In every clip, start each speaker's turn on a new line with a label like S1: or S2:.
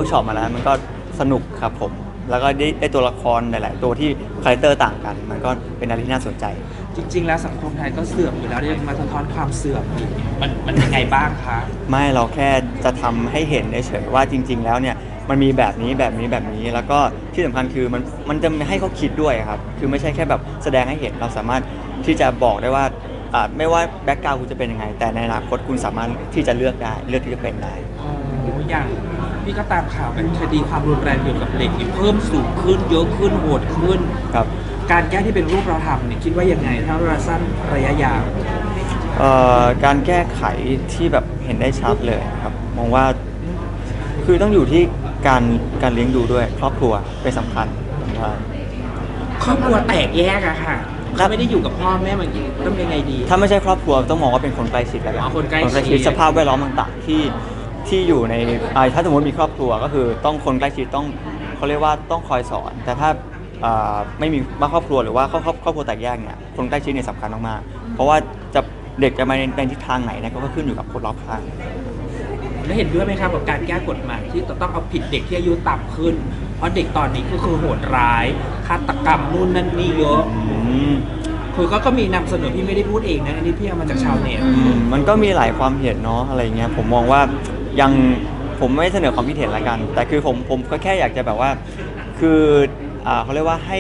S1: ช็อปมาแล้วมันก็สนุกครับผมแล้วก็ได้ตัวละครหลายๆตัวที่คาแรคเตอร์ต่างกันมันก็เป็นอะไรที่น่าสนใจ
S2: จริงๆแล้วสังคมไทยก็เสื่อมอยู่แล้วยังมาสะท้อนความเสื่อมอีกมันยังไงบ้างคะ
S1: ไม่เราแค่จะทำให้เห็นเฉยๆว่าจริงๆแล้วเนี่ยมันมีแบบนี้แบบนี้แบบนี้แล้วก็ที่สำคัญคือมันจะให้เขาคิดด้วยครับคือไม่ใช่แค่แบบแสดงให้เห็นเราสามารถที่จะบอกได้ว่าไม่ว่าแบ็กกราวด์คุณจะเป็นยังไงแต่ในอนาคตคุณสามารถที่จะเลือกได้เลือกที่จะเป็นได้
S2: อย่างพี่ก็ตามข่าวเป็นคดีความรุนแรงเกี่ยวกับเด็กที่เพิ่มสูงขึ้นเยอะขึ้นโหดขึ้น
S1: ครับ
S2: การแก้ที่เป็นรูปเราทำเนี่ยคิดว่ายังไงถ้าระยะสั้นระยะยาว
S1: การแก้ไขที่แบบเห็นได้ชัดเลยครับมองว่าคือต้องอยู่ที่การเลี้ยงดูด้วยครอบครัวเป็นสำคัญว่า
S2: ครอบครัวแตกแยกอะค่ะเขาไม่ได้อยู่กับพ่อแม่เหมือนกันต้องยังไงดี
S1: ถ้าไม่ใช่ครอบครัวต้องมองว่าเป็นคนใกล้ชิดแล้วกัน
S2: คนใกล้ชิด
S1: สภาพแวดล้อมต่างๆที่อยู่ในถ้าสมมติมีครอบครัวก็คือต้องคนใกล้ชิดต้องเขาเรียกว่าต้องคอยสอนแต่ถ้าไม่มีครอบครัวหรือว่าครอบครัวแตกแยกเนี่ยคนใกล้ชิดเนี่ยสำคัญมากๆเพราะว่าเด็กจะมาในทิศทางไหนเนี่ยก็ขึ้นอยู่กับคนรอบข้าง
S2: แล้วเห็นด้วยไหมครับกับการแก้กฎหมายที่ต้องเอาผิดเด็กที่อายุต่ำขึ้นเพราะเด็กตอนนี้ก็คือโหดร้ายฆาตกรรมนู่นนั่นนี่เยอะคือก็มีนำเสนอพี่ไม่ได้พูดเองนะอันนี้พี่เอามาจากชาวเน็ต
S1: มันก็มีหลายความเห็นเนาะอะไรเงี้ยผมมองว่ายังผมไม่เสนอความคิดเห็นละกันแต่คือผมก็แค่อยากจะแบบว่าคือเขาเรียกว่าให้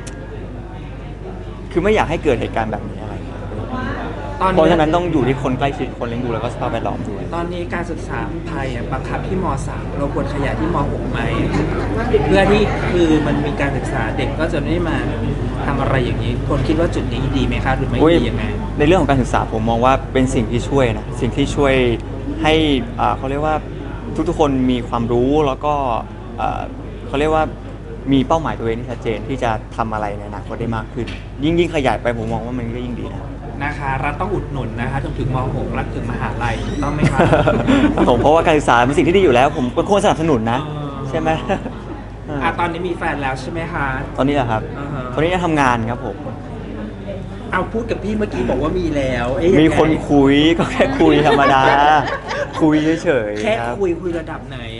S1: คือไม่อยากให้เกิดเหตุการณ์แบบนี้อะไรเพราะฉะนั้นต้องอยู่ที่คนใกล้ชิดคนเลี้ยงดูแล้วก็สภาพแวดล้อมด้วย
S2: ตอนนี้การศึกษาไทยบังคับที่ม.3 เราควรขยายที่ม.6 ไหมเพื่อที่คือมันมีการศึกษาเด็กก็จะไม่มาทำอะไรอย่างนี้คนคิดว่าจุดนี้ดีไหมคะหรือไม่ดียังไง
S1: ในเรื่องของการศึกษาผมมองว่าเป็นสิ่งที่ช่วยนะสิ่งที่ช่วยให้เขาเรียกว่าทุกๆคนมีความรู้แล้วก็เขาเรียกว่ามีเป้าหมายตัวเองที่ชัดเจนที่จะทำอะไรในอนาคตได้มากขึ้นยิ่งขยายไปผมมองว่ามันก็ยิ่งดี
S2: นะคะรัฐต้องอุดหนุนนะคะถึงม.6 รัฐถึงมหาลัยถูกต้องไหมคะ
S1: ผมเพราะว่าการศึกษาเป็นสิ่งที่ดีอยู่แล้วผมก็ควรสนับสนุนนะใช่ไหม
S2: ตอนนี้มีแฟนแล้วใช่ไหมคะ
S1: ตอนนี้เหรอครับตอนนี้จะทำงานครับผม
S2: เอาพูดกับพี่เมื่อกี้บอกว่ามีแล้ว
S1: มีคนคุยก็แค่คุยธรรมดาคุยเฉยๆ
S2: แค่คุยระดับไหน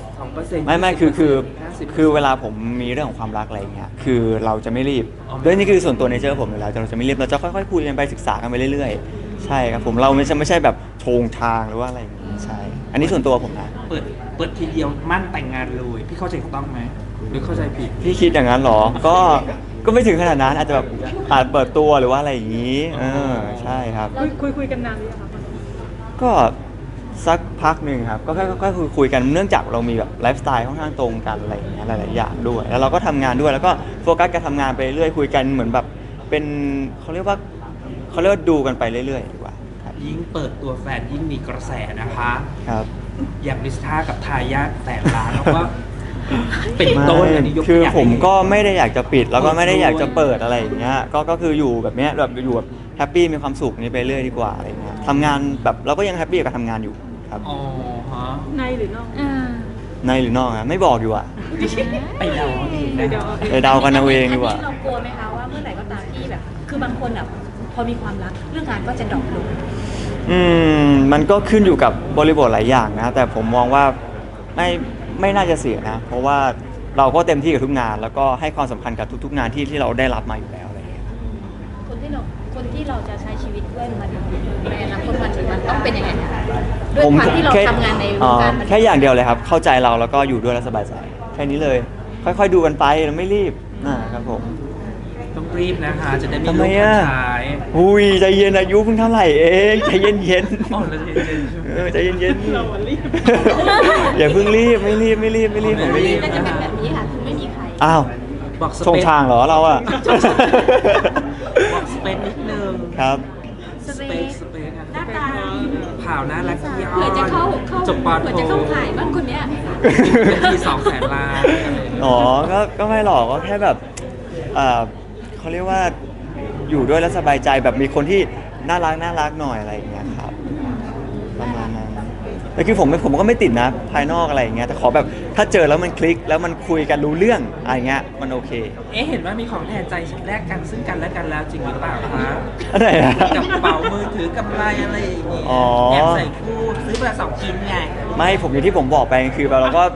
S2: 2%
S1: ไม่คือเวลาผมมีเรื่องของความรักอะไรเงี้ยคือเราจะไม่รีบด้วยนี่คือส่วนตัวเนเจอร์ผมอยู่แล้วเราจะไม่รีบเราจะค่อยๆคุยกันไปศึกษากันไปเรื่อยๆใช่ครับผมเราไม่ใช่แบบโชงทางหรือว่าอะไรอย่างงี้ใช่อันนี้ส่วนตัวผมนะ
S2: เปิดทีเดียวมั่นแต่งงานเลยพี่เข้าใจถูกต้องไหมหรือเข้าใจผิด
S1: พี่คิดอย่างนั้นหรอก็ไม่ถึงขนาดนั้นอาจจะแบบเปิดตัวหรือว่าอะไรอย่างนี้ใช่ครับ
S3: คุยกันนานหรือยังคะ
S1: ก็สักพักหนึ่งครับก็แค่คุยกันเนื่องจากเรามีแบบไลฟ์สไตล์ค่อนข้างตรงกันอะไรอย่างเงี้ยหลายๆอย่างด้วยแล้วเราก็ทำงานด้วยแล้วก็โฟกัสการทำงานไปเรื่อยคุยกันเหมือนแบบเป็นเขาเรียกว่าดูกันไปเรื่อยๆดีกว่า
S2: ยิ่งเปิดตัวแฟนยิ่งมีกระแสนะคะ
S1: ครับ
S2: อย่างลิซ่ากับทายาทแสนล้านแล้วก็เป็นต้นอันนี้
S1: คือผมก็ไม่ได้อยากจะปิดแล้วก็ไม่ได้อยากจะเปิดอะไรอย่างเงี้ยก็คืออยู่แบบเนี้ยแบบอยู่แบบแฮปปี้มีความสุขนี้ไปเรื่อยดีกว่าอะไรเงี้ยทำงานแบบเราก็ยังแฮปปี้กับการทำงานอยู่ครับ
S2: อ๋อฮะ
S3: ในหรือนอก
S1: ในหรือนอกอะไม่บอกอยู่อะ
S2: ไปเดา
S1: กันเอาเองดีกว่า
S3: เรากลัวไหมคะว่าเมื่อไหร่ก็ตามที่แบบคือบางคนแบบพอมีความรักเรื่องงานก็จะดรอปลง
S1: มันก็ขึ้นอยู่กับบริบทหลายอย่างนะแต่ผมมองว่าไม่น่าจะเสียนะเพราะว่าเราก็เต็มที่กับทุกงานแล้วก็ให้ความสำคัญกับทุกๆงานที่เราได้รับมาอยู่แล้วอะไรอย่างเงี้ย
S3: คนที่เราจะใช้ชีวิตด้วยมันในอนาคตมันต้องเป็นยังไงด้วยความที่เราทำงานในวงการ
S1: แค่อย่างเดียวเลยครับเข้าใจเราแล้วก็อยู่ด้วยแล้วสบายใจแค่นี้เลยค่อยๆดูกันไปเราไม่รีบนะครับผม
S2: ต้องรีบนะคะจะได้มีลูกทันท้าย
S1: ใจเย็นอายุเพิ่งเท่าไหร่เองใจเย็น
S2: อ๋อแล้ว
S1: ใจเย็นเรารีบอย่าเพิ่งรีบไม่รีบ
S3: น่าจะเป็นแบบนี้ค่ะคือไม่มีใคร
S1: อ้าว
S2: บอก
S1: ชงทางเหรอเราอะ
S2: บอกสเปนนิดนึง
S1: ครับ
S2: สเปนหน้าตาข่าวน่ารักที่
S3: เผื่อจะเข้า
S2: จบปอโท
S3: เผื่อจะเข้าขายบ้างคนเนี้ย
S2: มี200,000 ล้าน
S1: ก็ไม่หรอกก็แค่แบบเขาเรียกว่าอยู่ด้วยแล้วสบายใจแบบมีคนที่น่ารักหน่อยอะไรอย่างเงี้ยครับประมาณนั้นแต่คือผมก็ไม่ติดนะภายนอกอะไรอย่างเงี้ยแต่ขอแบบถ้าเจอแล้วมันคลิกแล้วมันคุยกันรู้เรื่องอะไรเงี้ยมันโอเค
S2: เห็นว่ามีของแทนใจแลกกันซึ่งกันและกันแล้วจริงหรือเปล่าคะ
S1: อะไรนะ
S2: กระเป๋ามือถือกำไรอะไรอย่างเงี้ยแอบใส่คู่ซื้อมา2 ชิ้นไง
S1: ไม่ผมอย่างที่ผมบอกไปคือเราก็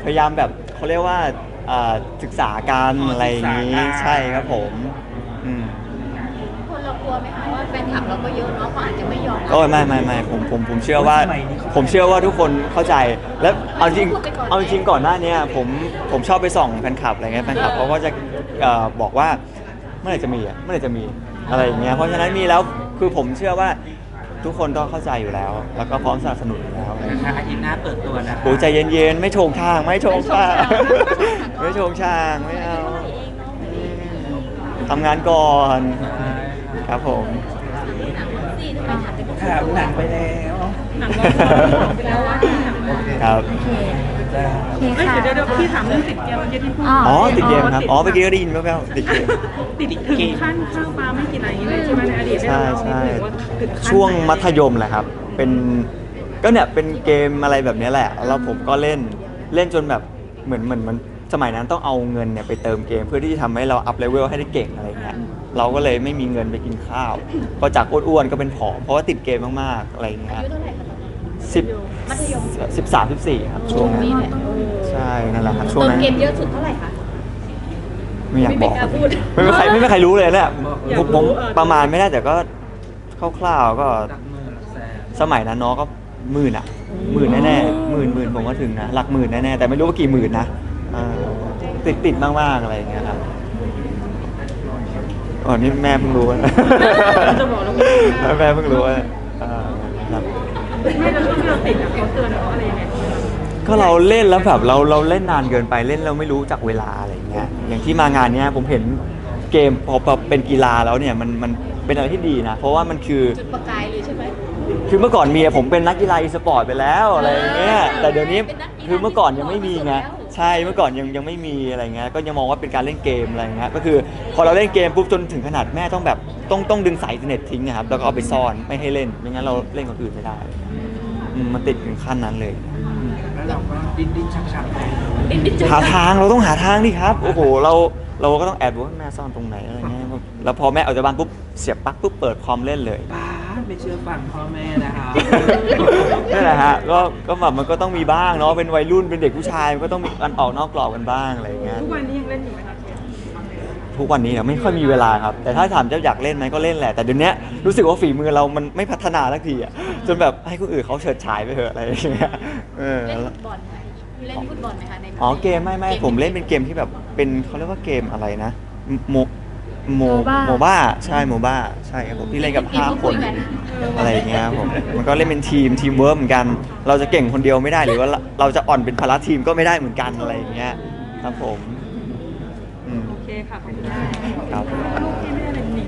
S1: พยายามแบบเขาเรียกว่าศึกษาการอะไรอย่างนี้ใช่ครับผมอืม
S3: คนเรากลัวไหมคะว่าแฟนคลับเราก็เยอะเนาะเขาอาจจะไม่ยอมรับ
S1: ก็ไม่ผมเชื่อว่าทุกคนเข้าใจแล้วเอาจริงก่อนหน้าเนี้ยผมชอบไปส่องแฟนคลับอะไรเงี้ยแฟนคลับเขาก็จะบอกว่าเมื่อไหร่จะมีอะไรอย่างเงี้ยเพราะฉะนั้นมีแล้วคือผมเชื่อว่าทุกคนก็เข้าใจอยู่แล้ว แล้วก็พร้อมสนับสนุนอยู่แล้วอะไรอย่าง
S2: นะ
S1: เงี้ย
S2: คะอาทิตย์หน้าเปิดตัวนะคะ
S1: โอ้ใจเย็นๆไม่โชงช่างไม่โชงช่างไม่เอาทำงานก่อนครับผม
S3: สี่ทำไมถามแต่
S2: ถามหนังไปแล้ว
S4: หนังเราบอกไปแล้วว่าหนัง
S1: ครับ
S3: โอเค
S2: จ้า
S3: โอเค
S4: เฮ้ย
S3: ค่ะ
S4: เดี๋ยวพี่ถามเรื่องติดเกมเมื่อกี้ที่พูด
S1: อ๋อติดเกมครับอ๋อเมื่อกี้ก็ได้ยินแว่วๆติดเกม
S4: ติดถึงขั้นข้าวปลาไม่กินอะไรอย่างเงี้ยเลยใช่ไหมในอดีต
S1: ใช่
S4: เรา
S1: ใช่
S4: ถึงว่าถึงขั้น
S1: ช่วง
S4: ไหน
S1: มัธยมแหละครับ ก็เนี่ยเป็นเกมอะไรแบบนี้แหละแล้วผมก็เล่นจนแบบเหมือนสมัยนั้นต้องเอาเงินเนี่ยไปเติมเกมเพื่อที่จะทำให้เราอัพเลเวลให้ได้เก่งอะไรเงี้ยเราก็เลยไม่มีเงินไปกินข้าวก็จากอ้วนๆก็เป็นผอมเพราะว่าติดเกมมากๆอะไรเงี้
S3: อาย ยุเท่าไหร่คะ
S1: สิบ
S3: มัธยม
S1: 13-14ครับช่วงนั้น
S3: นี่แหละ
S1: ใช่นั่นแหละครับช่วง
S3: เติม
S1: นั้น
S3: เกมเยอะสุดเท่าไหร่คะ
S1: ไม่อยากบอก
S3: ไม่กล้าพูด
S1: ไม่มีใครรู้เลยเนี่ยผมประมาณไม่ได้แต่ก็คร่าวๆก็
S2: ตักมือหลักแสน
S1: สมัยนั้นน้องก็หมื่นอ่ะหมื่นแน่ๆหมื่นผมก็ถึงนะหลักหมื่นแน่ๆแต่ไม่รู้ว่ากี่หมื่นนะติดมากๆอะไรอย่างเงี้ยครับอ๋อนี่แม่เพิ่งรู้นะ
S4: จะบอกแล้ว
S1: แม่เพิ่งรู้ว่าครับ
S4: ไม่แล้วช่วงที่เราติดอ่ะเขาเตือนเราอะไรยังไง
S1: ก็เราเล่นแล้วแบบเราเล่นนานเกินไปเล่นเราไม่รู้จักเวลาอะไรอย่างเงี้ยอย่างที่มางานเนี้ยผมเห็นเกมพอเป็นกีฬาแล้วเนี่ยมันเป็นอะไรที่ดีนะเพราะว่ามันคือ
S3: จุดประกายเลยใช่ไหม
S1: คือเมื่อก่อนเมียผมเป็นนักกีฬาอีสปอร์ตไปแล้วอะไรอย่างเงี้ยแต่เดี๋ยวนี้คือเมื่อก่อนยังไม่มีไงใช่เมื่อก่อนยังไม่มีอะไรเงี้ยก็ยังมองว่าเป็นการเล่นเกมอะไรเงี้ยก็คือพอเราเล่นเกมปุ๊บจนถึงขนาดแม่ต้องแบบต้องดึงสายอินเทอร์เน็ตทิ้งนะครับแล้วก็เอาไปซ่อนไม่ให้เล่นไม่งั้นเราเล่นคนอื่นไม่ได้มันติดถึงขั้นนั้นเลย
S2: แล้วเราก็ดิ้นชักๆไป
S1: หาทางเราต้องหาทางดิครับโอ้โหเราก็ต้องแอบดูว่าแม่ซ่อนตรงไหนอะไรเงี้ยแล้วพอแม่ออกจากบ้านปุ๊บเสียบปลั๊กปุ๊บเปิดคอมเล่นเลย
S2: ป้าไม่เชื่อฟังพ่อแม่นะคะ
S1: นั่นแหละฮะก็แบบมันก็ต้องมีบ้างเนาะเป็นวัยรุ่นเป็นเด็กผู้ชายมันก็ต้องมีการออกนอกกรอบกันบ้างอะไรอย่างเงี้ย
S4: ทุกวันนี้ยังเล่นอยู่ไหมคะ
S1: ทุกวันนี้เนี่ยไม่ค่อยมีเวลาครับแต่ถ้าถามเจ้าอยากเล่นไหมก็เล่นแหละแต่เดี๋ยวนี้รู้สึกว่าฝีมือเรามันไม่พัฒนาสักทีอ่ะจนแบบให้คนอื่นเขาเฉิดฉายไปเถอะอะไรอย่างเงี้ย
S3: เล่นฟุตบอลไหมเล่นฟุตบอลไหมคะใน
S1: อ๋อเกมไม่ผมเล่นเป็นเกมที่แบบเป็นเขาเรียกว่าเกมอะไรนะโมบ้าใช่โมบ้าใช่ครับผมที่เล่นกับ5คนอะไรอย่างเงี้ยครับผมมันก็เล่นเป็นทีมเวิร์กเหมือนกัน เราจะเก่งคนเดียวไม่ได้หรือว่าเราจะอ่อนเป็นภาระทีมก็ไม่ได้เหมือนกันอะไรอย่างเงี้ยครับผม
S4: โอเคค่ะขอบคุณ
S1: ครับ